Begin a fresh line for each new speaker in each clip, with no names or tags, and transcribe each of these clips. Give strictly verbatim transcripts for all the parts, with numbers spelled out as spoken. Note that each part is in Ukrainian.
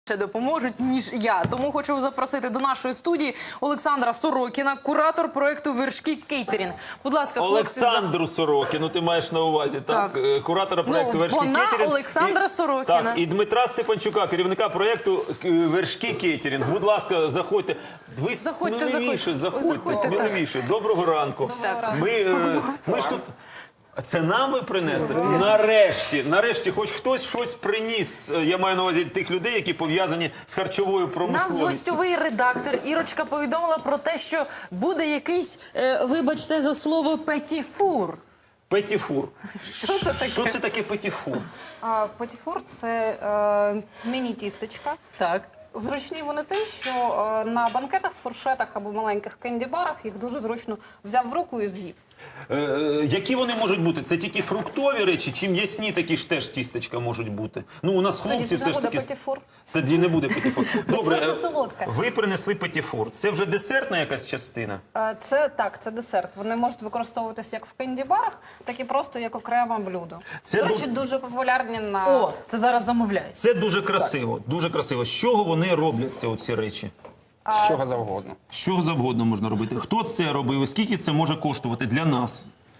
Допоможуть, ніж я. Тому хочу запросити до нашої студії Олександра Сорокіна, куратор проєкту «Вершки Кейтерінг». Будь ласка, хлопці.
Олександру Сорокіну, ти маєш на увазі, так? так. Куратора проєкту
ну,
«Вершки
вона
Кейтерінг».
Олександра
і,
Сорокіна.
Так, і Дмитра Степанчука, керівника проєкту «Вершки Кейтерінг». Будь ласка, заходьте. Ви
заходьте,
сміливіше,
заходьте,
заходьте,
заходьте
сміливіше. Доброго ранку.
Доброго ранку.
Ми, е, ми ж тут... Це нам ви принесли? Нарешті, нарешті, хоч хтось щось приніс. Я маю на увазі тих людей, які пов'язані з харчовою
Нас
промисловістю.
гостьовий редактор Ірочка повідомила про те, що буде якийсь, е, вибачте за слово, петіфур.
Петіфур.
Що це таке?
Що це таке петіфур?
А, Петіфур – це е, міні-тістечка.
Так.
Зручні вони тим, що е, на банкетах, фуршетах або маленьких кенді-барах їх дуже зручно взяв в руку і з'їв.
Е, які вони можуть бути? Це тільки фруктові речі, чи м'ясні такі ж теж тістечка можуть бути? Ну, у нас хлопці
Тоді
все
це
ж
буде
таки...
петіфур.
Тоді не буде петіфур. Добре,
Це
е,
солодке.
ви принесли петіфур. Це вже десертна якась частина?
Е, Це так, це десерт. Вони можуть використовуватися як в кенді-барах, так і просто як окреме блюдо.
Це
До речі,
ду-
дуже популярні на...
О, це зараз замовляють.
Це дуже красиво, дуже красиво. З чого вони робляться, оці речі?
З чого завгодно.
З чого завгодно можна робити. Хто це робив і скільки це може коштувати для нас?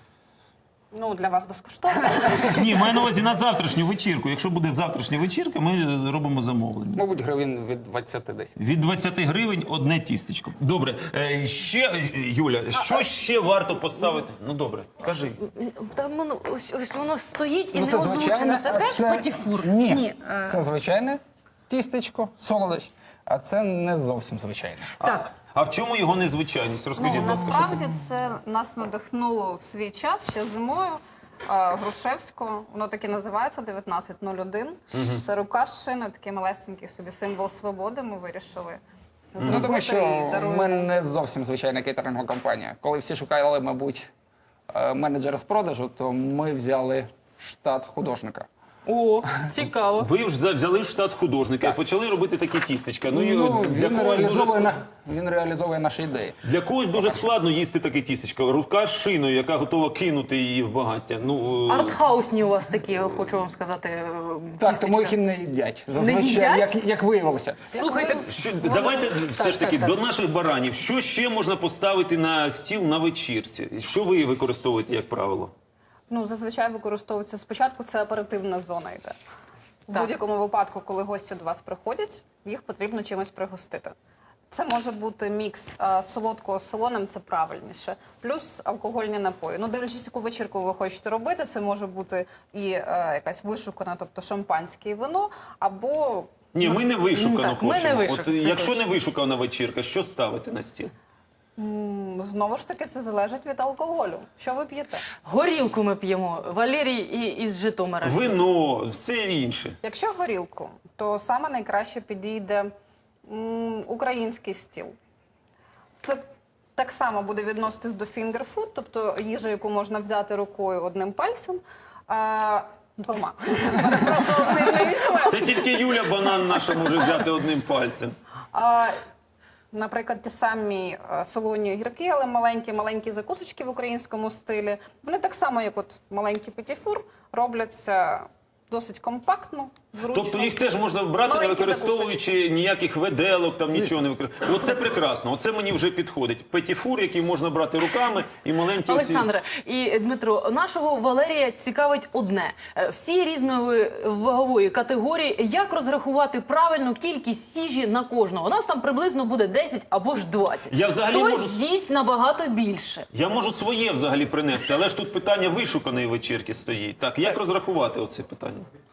Ну, для вас безкоштовно.
Ні, маю на увазі на завтрашню вечірку. Якщо буде завтрашня вечірка, ми робимо замовлення.
Мабуть, гривень від двадцяти десь.
Від двадцяти гривень одне тістечко. Добре, е, ще, Юля, що ще варто поставити? Ну, добре, кажи.
Там воно, ось, ось воно стоїть і
Ну,
не
це
озвучено.
звичайне,
Це
а
теж
це-
петіфур?
Ні,
Ні, е.
це звичайне тістечко, солодощ, а це не зовсім звичайне.
Так.
А в чому його незвичайність? Розкажіть,
Ну,
будь ласка, що це?
насправді це нас надихнуло в свій час ще зимою. е, Грушевського, воно таки називається дев'ятнадцять нуль один. Це рука з шиною, такий малесенький собі символ свободи. Ми вирішили
Ну,
зробити
тому що
і даруємо.
ми не зовсім звичайна кейтерингова компанія. Коли всі шукали, мабуть, е, менеджера з продажу, то ми взяли штат художника.
О, цікаво.
Ви вже взяли штат художника і почали робити такі тістечка. Ну, і
Ну,
для,
він,
когось дуже
реалізовує,
ск-
на- він реалізовує наші ідеї.
для когось дуже складно їсти таке тістечко. Рука з шиною, яка готова кинути її в багаття. Ну, е,
Артхаусні у вас такі, хочу вам сказати, е,
Так,
тістечка.
тому їх і не їдять. Зазвичай,
їдять?
Як, як виявилося.
Слухайте,
що, давайте все ж таки
так,
до наших баранів. Що ще можна поставити на стіл на вечірці? Що ви використовуєте, як правило?
Ну, зазвичай використовується спочатку, це оперативна зона йде. В
Так.
будь-якому випадку, коли гості до вас приходять, їх потрібно чимось пригостити. Це може бути мікс а, солодкого з солоним, це правильніше, плюс алкогольні напої. Ну, дивлячись, яку вечірку ви хочете робити, це може бути і е, якась вишукана, тобто шампанське і вино, або...
Ні, ми не вишукано
так, ми
хочемо.
не вишукано,
От,
це
якщо
точно.
не вишукана вечірка, що ставити на стіл?
м, Знову ж таки, це залежить від алкоголю. Що ви п'єте?
горілку ми п'ємо. Валерій і, із Житомира.
Вино, все інше.
Якщо горілку, то саме найкраще підійде м, український стіл. Це так само буде відноситись до фінгерфуд, тобто їжа, яку можна взяти рукою одним пальцем, а, двома. Мене просто одним не візьме.
Це тільки Юля банан наша може взяти одним пальцем.
А, Наприклад, ті самі е, солоні огірки, але маленькі, маленькі закусочки в українському стилі. Вони так само, як от маленький петіфур, робляться досить компактно, зручно.
Тобто їх теж можна брати, не
Маленькі
використовуючи ніяких виделок, там нічого не використовуючи. Оце прекрасно, оце мені вже підходить. Петіфур, який можна брати руками, і маленькі оці...
Олександре і Дмитро, нашого Валерія цікавить одне. Е, Всі різної вагової категорії, як розрахувати правильну кількість їжі на кожного? У нас там приблизно буде десять або ж двадцять.
Я взагалі
Хтось
можу-
з'їсть набагато більше.
Я можу своє взагалі принести, але ж тут питання вишуканої вечірки стоїть. Так, як розрахувати оце питання?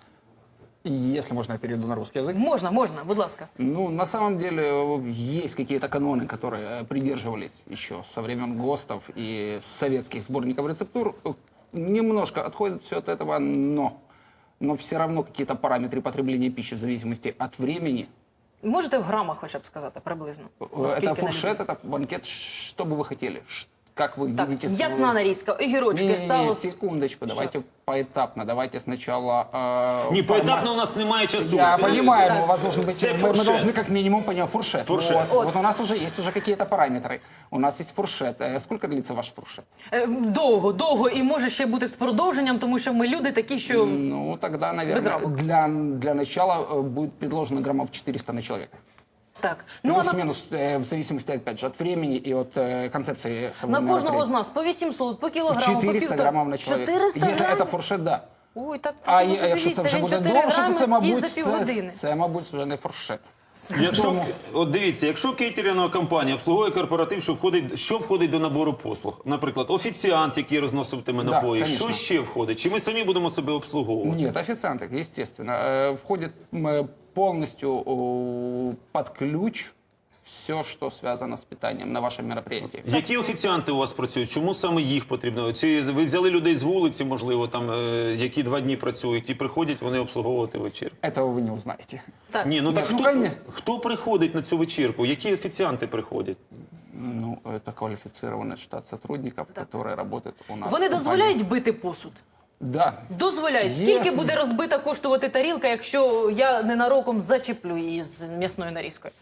Если можно, я перейду на русский язык.
Можна, можна, будь ласка.
Ну, на самом деле, э, есть какие-то каноны, которые э, придерживались еще со времен ГОСТов и советских сборников рецептур. Э, Немножко отходит все от этого, но, но все равно какие-то параметры потребления пищи в зависимости от времени.
Можете в грамах хоча б сказати приблизно?
Э,
Оскільки
Это
на
фуршет,
людину.
это банкет, что бы вы хотели. Ш- как вы
Так,
видите... свой-
ясна нарізка, огірочки,
Не-не-не,
сало.
секундочку, давайте поэтапно. Давайте сначала... э,
Ні,
формат.
поетапно у нас немає часу.
Я
Це-
понимаю, но у вас должен быть...
Это
Мы, мы
фуршет.
должны как минимум понять фуршет.
Фуршет.
Вот, вот у нас уже есть уже какие-то параметры. У нас есть фуршет. Э, Сколько длится ваш фуршет?
Е, Довго, довго і може ще бути з продовженням, тому що ми люди такі, що
Ну, тогда, наверное,
рамок.
для, для начала э, будет предложено граммов четыреста на человека.
так. Ну, а на,
Плюс-минус, э, в зависимости, опять же, от времени и от э, концепции самого
на кожного з
мероприятия.
нас по вісімсот, по кілограму, по
четыреста
півтора.
граммов на человека.
чотириста
Если
грам?
это фуршет, да.
Ой, так
А
ви
є- якщо це
подивіться,
вже
він
буде
чотири
довше, то
грами
це,
з'їсть
мабуть,
за
це,
півгодини.
це, мабуть, вже не фуршет.
Якщо, от дивіться, якщо кейтерингова компанія обслуговує корпоратив, що входить, що входить до набору послуг? Наприклад, офіціант, який розноситиме
Да,
напої,
конечно.
що ще входить? Чи ми самі будемо себе обслуговувати?
Нет, официанты, естественно. Э, Входит м, э, полностью э, под ключ все, что связано с питанием на вашем мероприятии.
Які офіціанти у вас працюють? Чому саме їх потрібно? Чи ви взяли людей з вулиці, можливо, там, е, які два дні працюють і приходять вони обслуговувати вечірку?
Этого вы не узнаете.
Так.
Ні, ну так
ну,
хто,
конечно.
хто приходить на цю вечірку? Які офіціанти приходять?
Ну, это квалифицированный штат сотрудников, которые работают у нас.
Вони
в компании.
дозволяють бити посуд?
Да.
Дозволяють.
Є.
Скільки буде розбита коштувати тарілка, якщо я ненароком зачеплю її з м'ясною нарізкою?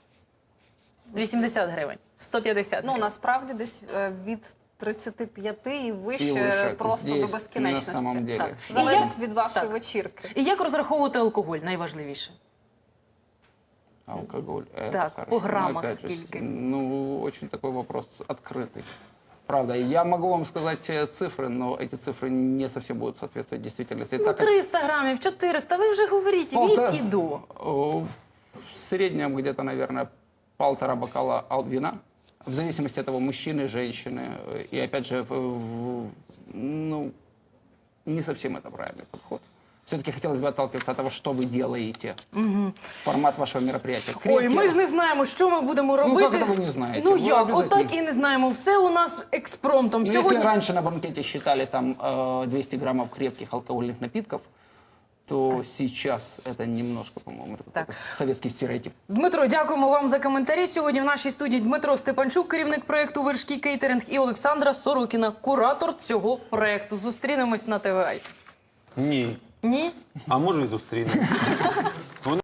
вісімдесят гривень, сто п'ятдесят
Ну,
гривень.
насправді десь е, від тридцяти п'яти і вище,
І вище.
просто
Здесь,
до безкінечності.
на самом деле.
Так.
І
Залежить
я-
від вашої
так.
вечірки.
І як розраховувати алкоголь, найважливіше?
Алкоголь. Это
Так,
хорошо.
по
Но
граммах
опять же,
скільки?
Ну, очень такой вопрос открытый. Правда, я могу вам сказать э, цифры, но эти цифры не совсем будут соответствовать действительности.
Ну,
Так как,
триста грамів, чотириста, ви вже говоріть,
Полтора-
від і до.
э, в среднем где-то, наверное, полтора бокала ал- вина. В зависимости от того, мужчины, женщины. э, И опять же, в- в- ну, не совсем это правильный подход. Все-таки хотелось бы отталкиваться от того, что вы делаете. Формат вашего мероприятия.
Ой,
Крепкий-
ми ж не знаємо, що ми будемо робити.
як це ви не знаєте?
Ну
Ви
як,
обов'язково.
отак і не знаємо. Все у нас експромтом.
Ну,
Сьогодні...
если раньше на банкете считали там э, двести граммов крепких алкогольных напитков, то сейчас это немножко, по-моему, это
Так.
какой-то советский стереотип.
Дмитро, дякуємо вам за коментарі. Сьогодні в нашій студії Дмитро Степанчук, керівник проєкту «Вершки Кейтеринг», і Олександра Сорокіна, куратор цього проєкту. Зустрінемось на ТВА.
Ні.
Ні?
А може і зустрінемо.